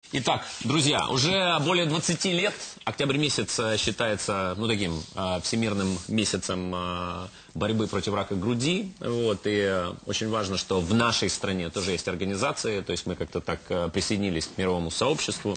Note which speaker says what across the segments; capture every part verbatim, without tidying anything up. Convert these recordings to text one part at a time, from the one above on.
Speaker 1: Итак, друзья, уже более двадцати лет октябрь месяц считается, ну, таким э, всемирным месяцем э, борьбы против рака груди. Вот, и э, очень важно, что в нашей стране тоже есть организации, то есть мы как-то так э, присоединились к мировому сообществу.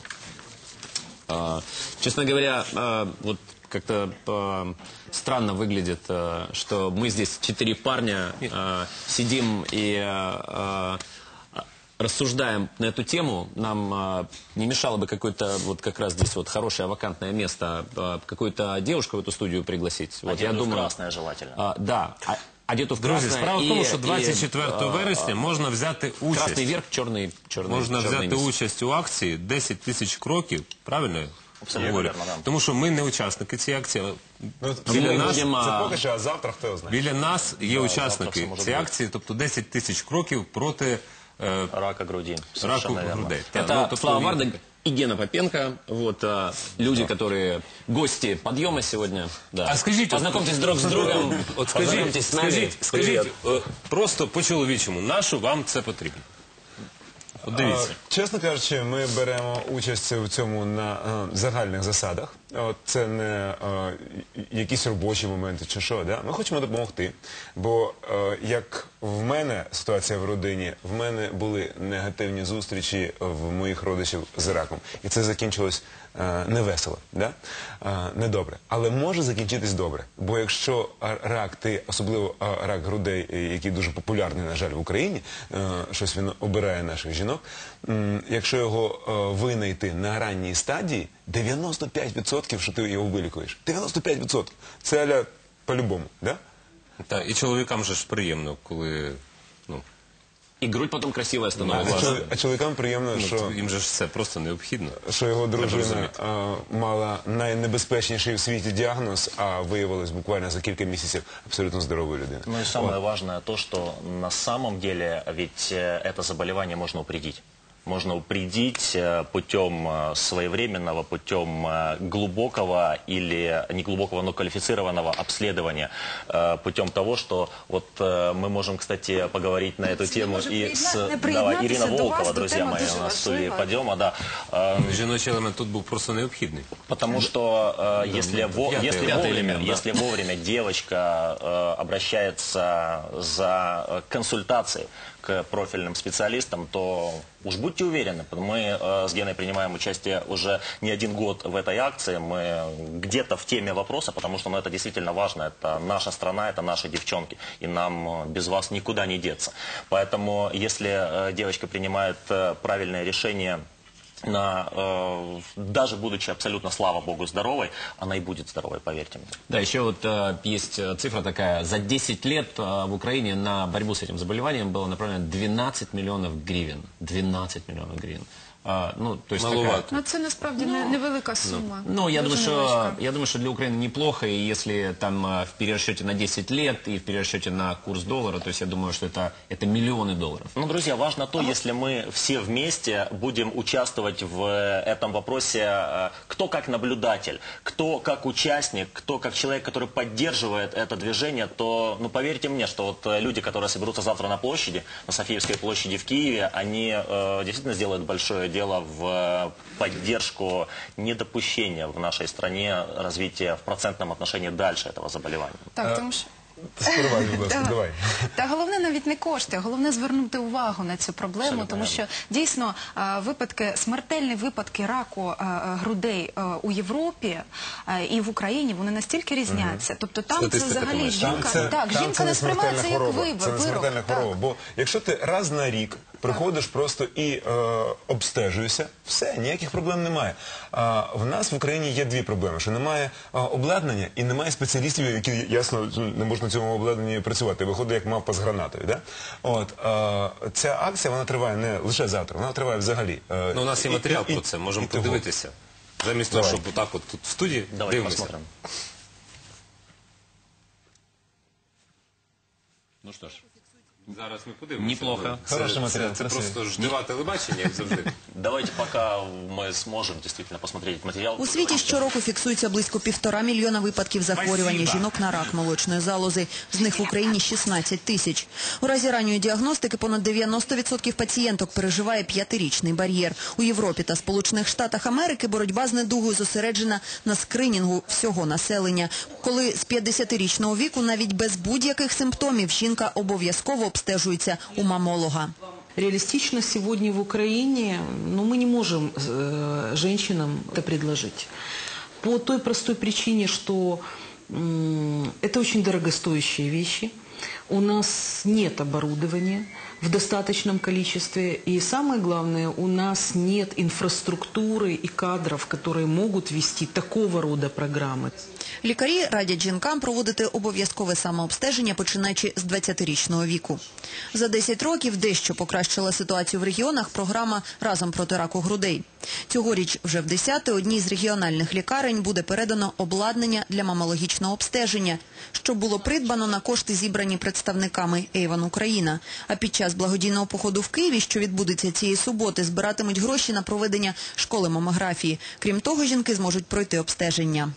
Speaker 1: Э, честно говоря, э, вот как-то э, странно выглядит, э, что мы здесь четыре парня э, сидим и... Э, рассуждаем на эту тему, нам а, не мешало бы какое-то, вот как раз здесь вот хорошее вакантное место, а, какую-то девушку в эту студию пригласить. Вот,
Speaker 2: одетую
Speaker 1: я думаю,
Speaker 2: в красное желательно.
Speaker 1: А, да, а, одету в красное.
Speaker 3: Друзі, справа в тому,
Speaker 1: і,
Speaker 3: що двадцять четвертого
Speaker 1: і,
Speaker 3: вересня можна взяти участь.
Speaker 1: Красний верх, чорний, чорний.
Speaker 3: Можна
Speaker 1: чорний
Speaker 3: взяти
Speaker 1: низ.
Speaker 3: участь у акції десять тисяч кроків, правильно?
Speaker 2: Абсолютно
Speaker 3: Говорю?
Speaker 2: вірно, да.
Speaker 3: Тому що ми не учасники цієї акції.
Speaker 4: Ну,
Speaker 3: Біля
Speaker 1: ми
Speaker 3: нас,
Speaker 1: будемо,
Speaker 4: це поки що, а завтра хто знає.
Speaker 3: біля нас є
Speaker 2: Да, завтра
Speaker 3: учасники
Speaker 2: все може
Speaker 3: цієї
Speaker 2: бути.
Speaker 3: акції, тобто десять тисяч кроків проти е,
Speaker 2: Рака груди.
Speaker 3: раку
Speaker 2: Совершенно верно.
Speaker 3: грудей.
Speaker 1: Это
Speaker 3: Так, ну, тобто
Speaker 1: Слава
Speaker 3: він-
Speaker 1: Вардак и Гена Попенко. Вот, а, люди, которые гости подъема сегодня. Да.
Speaker 3: А скажіть,
Speaker 1: познакомьтесь друг с другом.
Speaker 3: От скажіть,
Speaker 1: познакомьтесь с нами.
Speaker 3: скажіть, скажіть е, просто по-чоловічому, нащо вам це потрібно? От дивіться.
Speaker 4: А, чесно кажучи, ми беремо участь у цьому на е, загальних засадах. От, це не е, якісь робочі моменти чи що. Да? Ми хочемо допомогти. Бо е, як в мене ситуація в родині, в мене були негативні зустрічі в моїх родичів з раком. І це закінчилось е, невесело, да? е, недобре. Але може закінчитись добре. Бо якщо рак, ти, особливо е, рак грудей, е, який дуже популярний, на жаль, в Україні, е, щось він обирає наших жінок, м, якщо його е, винайти на ранній стадії, дев'яносто п'ять відсотків, що ти його вилікуєш. дев'яносто п'ять відсотків. Це аля по-любому, да?
Speaker 3: Та, і чоловікам же ж приємно, коли ну,
Speaker 1: И грудь потом красивая
Speaker 4: А,
Speaker 1: становится.
Speaker 4: чол- а чоловікам приємно,
Speaker 3: ну,
Speaker 4: що,
Speaker 3: їм же ж це просто необхідно.
Speaker 4: що його дружина
Speaker 3: розуміти.
Speaker 4: е, мала найнебезпечніший в світі діагноз, а виявилось буквально за кілька місяців абсолютно здоровою людиною.
Speaker 2: Ну и самое важное то, что на самом деле ведь э, это заболевание можно упредить. Можно упредить э, путем э, своевременного, путем э, глубокого или не глубокого, но квалифицированного обследования, э, путем того, что вот э, мы можем, кстати, поговорить на эту тему
Speaker 5: может
Speaker 2: и с
Speaker 5: приедна-
Speaker 2: да,
Speaker 5: приеднаться
Speaker 2: Ирина
Speaker 5: до вас,
Speaker 2: Волкова,
Speaker 5: до
Speaker 2: друзья
Speaker 5: темы
Speaker 2: мои,
Speaker 5: дуже
Speaker 2: у нас в студии
Speaker 5: важлива.
Speaker 2: подъема, да. Э,
Speaker 3: Жіночий елемент тут був просто необхідний.
Speaker 2: Потому что э, если, во-
Speaker 3: пятый-
Speaker 2: если,
Speaker 1: пятый
Speaker 2: вовремя,
Speaker 1: элемент, да.
Speaker 2: если вовремя девочка э, обращается за э, консультацией к профильным специалистам, то уж будьте уверены, мы э, с Геной принимаем участие уже не один год в этой акции, мы где-то в теме вопроса, потому что ну, это действительно важно, это наша страна, это наши девчонки, и нам э, без вас никуда не деться. Поэтому если э, девочка принимает э, правильное решение, на, э, даже будучи абсолютно, слава богу, здоровой, она и будет здоровой, поверьте мне.
Speaker 1: Да, еще вот э, есть э, цифра такая. За десять лет э, в Украине на борьбу с этим заболеванием было направлено двенадцать миллионов гривен. двенадцать миллионов гривен. А, ну, то есть такая...
Speaker 3: Маловато.
Speaker 5: Ну, це насправді не- невелика сума.
Speaker 1: Ну, я
Speaker 5: Дуже
Speaker 1: думаю, что,
Speaker 5: невеличка.
Speaker 1: я думаю, что для Украины неплохо, и если там э, в перерасчете на десять лет и в перерасчете на курс доллара, то есть я думаю, что это, это миллионы долларов.
Speaker 2: Ну, друзья, важно то, если мы все вместе будем участвовать в э, этом вопросе, э, кто как наблюдатель, кто как участник, кто как человек, который поддерживает это движение, то, ну, поверьте мне, что вот э, люди, которые соберутся завтра на площади, на Софиевской площади в Киеве, они э, действительно сделают большое дело в э, поддержку недопущения в нашей стране развития в процентном отношении дальше этого заболевания.
Speaker 5: Так, тому що...
Speaker 4: Спробуй, будь ласка,
Speaker 5: Так.
Speaker 4: давай.
Speaker 5: Та головне навіть не кошти, головне звернути увагу на цю проблему,
Speaker 2: Абсолютно
Speaker 5: тому що дійсно а, випадки, смертельні випадки раку а, а, грудей а, у Європі а, і в Україні, вони настільки різняться. Тобто там це
Speaker 3: Статистика
Speaker 5: взагалі
Speaker 3: тому,
Speaker 4: Там
Speaker 5: жінка,
Speaker 4: це,
Speaker 5: так,
Speaker 4: там
Speaker 5: жінка
Speaker 4: це
Speaker 5: не
Speaker 4: не смертельна
Speaker 5: сприймається як
Speaker 4: хвороба.
Speaker 5: вибір,
Speaker 4: Це не смертельна
Speaker 5: вирок.
Speaker 4: хвороба.
Speaker 5: Так.
Speaker 4: Бо якщо ти раз на рік приходиш просто і е, обстежуєшся, все, ніяких проблем немає. А в нас в Україні є дві проблеми, що немає а, обладнання і немає спеціалістів, які, ясно, не можуть на цьому обладнанні працювати. Виходить, як мавпа з гранатою. Да? От, а, ця акція, вона триває не лише завтра, вона триває взагалі. Е,
Speaker 3: Ну, у нас є
Speaker 4: і-
Speaker 3: матеріал
Speaker 4: і-
Speaker 3: про це, можемо
Speaker 4: і того.
Speaker 3: подивитися. Замість того,
Speaker 4: Давай.
Speaker 3: щоб отак от тут в студії
Speaker 2: Давайте
Speaker 3: дивимося.
Speaker 2: посмотрим.
Speaker 1: Ну что ж.
Speaker 3: Зараз ми подивимося.
Speaker 1: Неплохо.
Speaker 3: Це,
Speaker 4: Хороший
Speaker 3: це,
Speaker 4: матеріал,
Speaker 3: це
Speaker 4: красивий.
Speaker 3: просто ждива телебачення, як завжди.
Speaker 2: Давайте пока мы сможем действительно посмотреть материал.
Speaker 6: У світі щороку фіксується близько півтора мільйона випадків захворювання жінок на рак молочної залози. З них в Україні шістнадцять тисяч. У разі ранньої діагностики понад дев'яносто відсотків пацієнток переживає п'ятирічний бар'єр. У Європі та Сполучених Штатах Америки боротьба з недугою зосереджена на скринінгу всього населення. Коли з п'ятдесятирічного віку навіть без будь-яких симптомів жінка обов'язково обстежується у мамолога.
Speaker 7: Реалистично сегодня в Украине, ну, мы не можем э, женщинам это предложить. По той простой причине, что м, это очень дорогостоящие вещи. У нас нет оборудования в достаточном количестве. И самое главное, у нас нет инфраструктуры и кадров, которые могут вести такого рода программы.
Speaker 6: Лікарі радять жінкам проводити обов'язкове самообстеження, починаючи з двадцятирічного віку. За десять років дещо покращила ситуацію в регіонах програма «Разом проти раку грудей». Цьогоріч вже в десяте одній з регіональних лікарень буде передано обладнання для мамологічного обстеження, що було придбано на кошти, зібрані представниками Avon Україна. А під час благодійного походу в Києві, що відбудеться цієї суботи, збиратимуть гроші на проведення школи мамографії. Крім того, жінки зможуть пройти обстеження.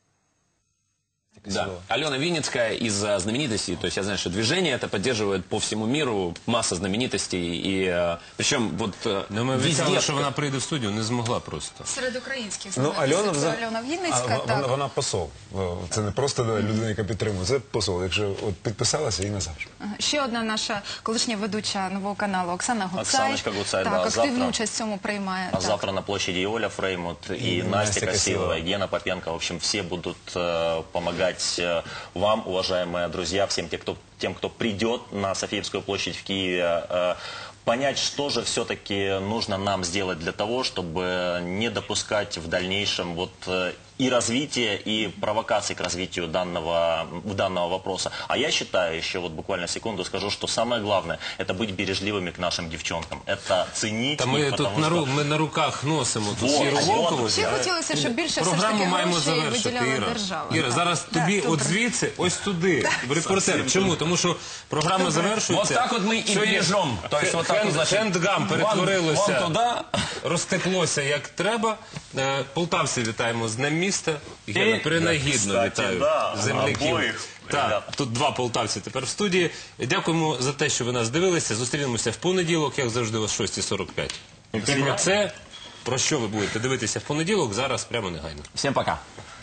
Speaker 1: Да. Алена Винницкая из э, знаменитостей, то есть я знаю, что движение это поддерживает по всему миру, масса знаменитостей, и э, причем вот э,
Speaker 3: Ну, ми
Speaker 1: везде...
Speaker 3: обіцяли, що вона прийде в студію, не змогла просто.
Speaker 5: Серед українських
Speaker 4: Ну,
Speaker 5: знаменитостей
Speaker 4: Альона,
Speaker 5: це
Speaker 4: взаг-
Speaker 5: Альона
Speaker 4: А,
Speaker 5: Вінницька.
Speaker 4: вона,
Speaker 5: так.
Speaker 4: вона посол. Це не просто людина, яка підтримує, це посол. Якщо от підписалася і назавжди.
Speaker 5: Ага. Ще одна наша колишня ведуча нового каналу Оксана Гуцай.
Speaker 2: Оксаночка Гуцай,
Speaker 5: так,
Speaker 2: да,
Speaker 5: активну
Speaker 2: завтра.
Speaker 5: участь в цьому приймає.
Speaker 2: А
Speaker 5: так.
Speaker 2: завтра на площади Оля Фреймут и,
Speaker 4: И
Speaker 2: Настя
Speaker 4: Настя
Speaker 2: Косилова,
Speaker 4: Косилова.
Speaker 2: и Гена Попенко. В общем, все будут э, помогать э, вам, уважаемые друзья, всем тем, кто, тем, кто придет на Софиевскую площадь в Киеве, э, понять, что же все-таки нужно нам сделать для того, чтобы не допускать в дальнейшем вот э, и развития, и провокаций к развитию данного, данного вопроса. А я считаю, еще вот буквально секунду скажу, что самое главное, это быть бережливыми к нашим девчонкам. Это ценить
Speaker 3: Та
Speaker 2: их,
Speaker 3: ми
Speaker 2: потому
Speaker 3: тут на,
Speaker 2: что...
Speaker 3: ру- ми на руках носимо ту
Speaker 2: Вот,
Speaker 3: сіру
Speaker 2: вот.
Speaker 3: Волкову.
Speaker 5: Ще хотілося, щоб більше все ж
Speaker 3: Програму
Speaker 5: таки
Speaker 3: маємо
Speaker 5: грошей
Speaker 3: завершити,
Speaker 5: виділяла
Speaker 3: Іра.
Speaker 5: держава.
Speaker 3: Іра,
Speaker 5: Так.
Speaker 3: зараз
Speaker 5: Так,
Speaker 3: тобі
Speaker 5: добре.
Speaker 3: от звідси, ось туди, в репортер. Чому? Тому що програма завершується.
Speaker 1: Вот так вот мы и
Speaker 3: Сьогодні
Speaker 1: бережем. То есть вот так вот, значит,
Speaker 3: хендгам
Speaker 1: вон-
Speaker 3: перетворилося,
Speaker 1: вон туда.
Speaker 3: розтеклося як треба. Е, Полтавці вітаємо з Днем міста. Гена,
Speaker 1: І-
Speaker 3: принагідно
Speaker 2: Кстати,
Speaker 3: вітаю
Speaker 2: да,
Speaker 3: земляків.
Speaker 2: обоїх,
Speaker 3: Так,
Speaker 2: ребята.
Speaker 3: тут два полтавці тепер в студії. Дякуємо за те, що ви нас дивилися. Зустрінемося в понеділок, як завжди, о шостій сорок п'ять. Про це, про що ви будете дивитися в понеділок, зараз прямо негайно.
Speaker 1: Всем пока.